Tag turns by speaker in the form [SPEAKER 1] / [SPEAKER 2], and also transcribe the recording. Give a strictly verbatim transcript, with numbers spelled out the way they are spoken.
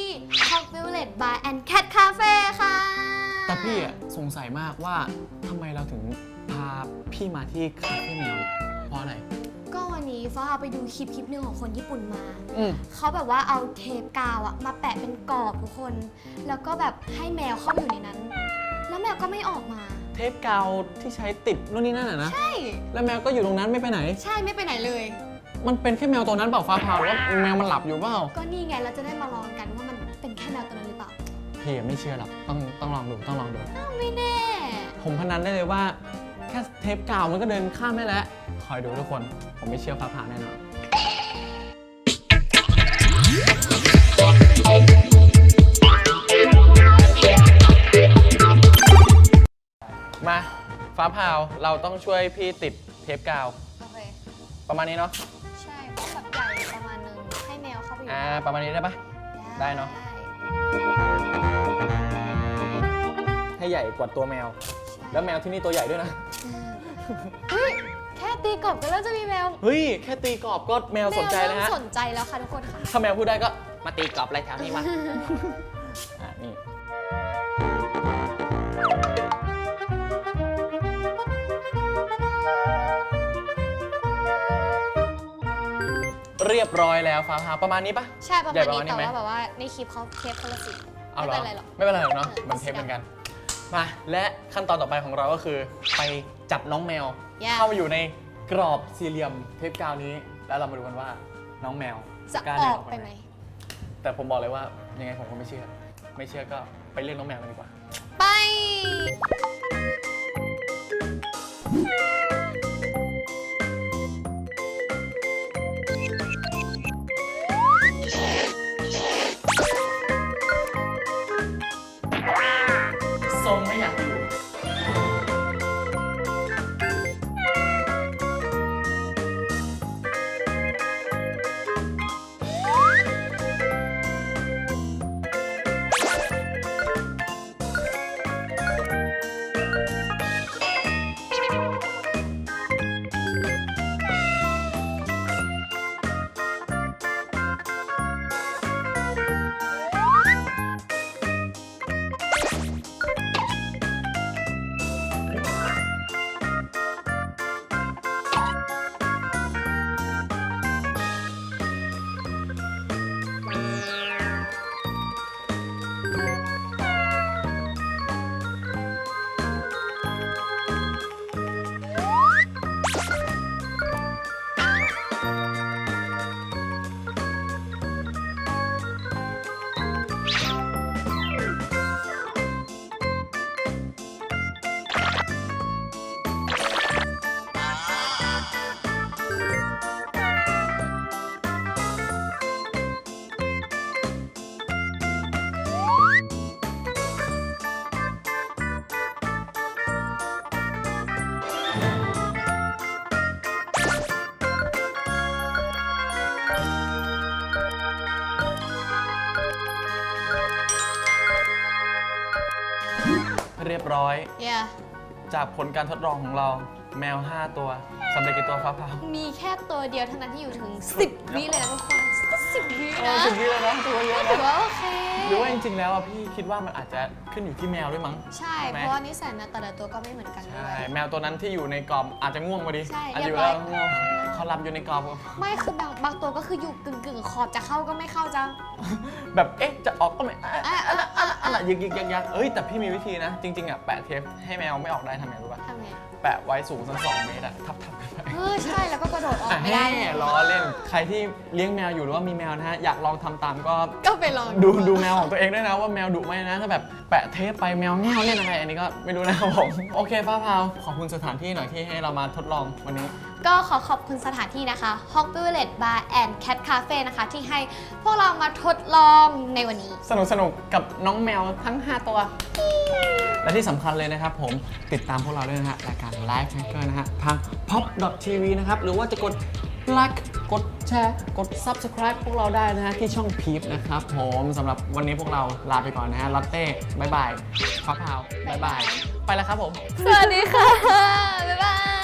[SPEAKER 1] ที่ Hot Violet Bar and Cat Cafe ค่ะ
[SPEAKER 2] แต่พี่อะสงสัยมากว่าทำไมเราถึงพาพี่มาที่คาเฟ่แมวเพราะอะไร
[SPEAKER 1] ก็วันนี้ฟ้าไปดูคลิปคลิปหนึ่งของคนญี่ปุ่นมา
[SPEAKER 2] อืม
[SPEAKER 1] เขาแบบว่าเอาเทปกาวอะมาแปะเป็นกรอบทุกคน แล้วก็แบบให้แมวเข้าอยู่ในนั้น แล้วแมวก็ไม่ออกมา
[SPEAKER 2] เทปกาวที่ใช้ติดนู่นนี่นั่นอะนะ
[SPEAKER 1] ใช่
[SPEAKER 2] แล้วแมวก็อยู่ตรงนั้นไม่ไปไหน
[SPEAKER 1] ใช่ไม่ไปไหนเลย
[SPEAKER 2] มันเป็นแค่แมวตัวนั้นเปล่าฟ้าผ่าหรือว่าแมวมันหลับอยู่เปล่า
[SPEAKER 1] ก็นี่ไงเราจะได้มาลองกันว่ามันเป็นแค่แมวตัวนั้นหรือเปล่า
[SPEAKER 2] พี่ไม่เชื่อหรอกต้องต้องลองดูต้องลองดู
[SPEAKER 1] ไม่แน่
[SPEAKER 2] ผมพนันได้เลยว่าแค่เทปกาวมันก็เดินข้ามได้แล้วคอยดูทุกคนผมไม่เชื่อฟ้าผ่าแน่นอนมาฟ้าผ่าเราต้องช่วยพี่ติดเทปกาว
[SPEAKER 1] โอเค
[SPEAKER 2] ประมาณนี้เนาะ
[SPEAKER 1] ใช่แบบใหญ่ประมาณนึงให้แมวเข้าไปอยู่
[SPEAKER 2] อ่าประมาณนี้ได้ปะได้เนาะให้ใหญ่กว่าตัวแมวแล้วแมวที่นี่ตัวใหญ่ด้วยนะ
[SPEAKER 1] เฮ้ยแค่ตีกรอบก็เริ่มจะมีแมว
[SPEAKER 2] เฮ้ยแค่ตีกรอบก็แมวสนใจแล้วฮะ
[SPEAKER 1] สนใจแล้วค่ะทุกคนค่ะ
[SPEAKER 2] ถ้าแมวพูดได้ก็มาตีกรอบอะไรแถวนี้วะอ่ะนี่เรียบร้อยแล้วฟ้าผ่าประมาณนี้ปะ
[SPEAKER 1] ใช่ประมาณนี้แต่ว่าแบบว่าในคลิปเขาเทปคนละสี
[SPEAKER 2] ไม่เป็นไรหรอกไม่เป็นไรหรอกเนาะมันเทปเหมือนกันมาและขั้นตอนต่อไปของเราก็คือไปจับน้องแมวเข้ามาอยู่ในกรอบสี่เหลี่ยมเทปกาวนี้แล้วเรามาดูกันว่าน้องแมว
[SPEAKER 1] จะออกไปไหม
[SPEAKER 2] แต่ผมบอกเลยว่ายังไงผมก็ไม่เชื่อไม่เชื่อก็ไปเรียกน้องแมวกันดีกว่า
[SPEAKER 1] ไป
[SPEAKER 2] ทรงไม่อยากอยู่เรียบร้อย
[SPEAKER 1] yeah.
[SPEAKER 2] จากผลการทดลองของเราแมวห้าตัวสำเร็จกี่ตัวฟ้าผ่า
[SPEAKER 1] มีแค่ตัวเดียวเท่านั้นที่อยู่ถึงสิบวิเลยนะทุกคนสิบวินะ
[SPEAKER 2] สิบวิเลยนะตัวเยอะนะ
[SPEAKER 1] ถือว่าโอเค
[SPEAKER 2] หรือว่าจริงๆแล้วพี่คิดว่ามันอาจจะขึ้นอยู่ที่แมวด้วยมั้ง
[SPEAKER 1] ใช่เพราะว่านิสัยนะแต่ละตัวก็ไม่เหมือนกันด้วย
[SPEAKER 2] แมวตัวนั้นที่อยู่ในกรอบอาจจะง่วงพอดีอาจจะอยู่แล้วง่วงเขาหลับอยู่ในกรอบ
[SPEAKER 1] ไม่คือบางบางตัวก็คืออยู่กึ่งกึ่งขอบจะเข้าก็ไม่เข้าจัง
[SPEAKER 2] แบบเอ๊ะจะออกก็ไม่อะไรอะไรอะไรยักยักยักเอ้ยแต่พี่มีวิธีนะจริงๆอ่ะแปะเทปให้แมวไม่ออกได้ทำไงรู้ป่ะ
[SPEAKER 1] ทำไง
[SPEAKER 2] แปะไว้สูงสักสองเมตรอะทับทับกันไป
[SPEAKER 1] เออใช่แล้วก็กระโดดออกไม่ได้
[SPEAKER 2] ล้อเล่นใครที่เลี้ยงแมวอยู่หรือว่ามีแมวนะฮะอยากลองทำตามก็
[SPEAKER 1] ก็ไปลอง
[SPEAKER 2] ดูดูแมวของตัวเองด้วยนะว่าแมวดุไหมนะถ้าแบบแปะเทปไปแมวแง่วเล่นอะไรอันนี้ก็ไม่รู้นะครับผมโอเคป้าพาวขอบคุณสถานที่หน่อยที่ให้เรามาทดลองวันนี้
[SPEAKER 1] ก็ขอขอบคุณสถานที่นะคะ Hot Violet Bar and Cat Cafe นะคะที่ให้พวกเรามาทดลองในวันนี้
[SPEAKER 2] สนุกสนุกกับน้องแมวทั้งห้าตัวและที่สำคัญเลยนะครับผมติดตามพวกเราด้วยนะฮะรายการ Live Hacker นะฮะทาง พ็อป ดอท ที วี นะครับหรือว่าจะกดไลค์กดแชร์กด ซับสไครบ์ พวกเราได้นะฮะที่ช่องพีพนะครับผมสำหรับวันนี้พวกเราลาไปก่อนนะฮะลอตเต้บายบายฟ้าพาวบายบายไปแล้วครับผม
[SPEAKER 1] สวัสดีค่ะบ๊ายบาย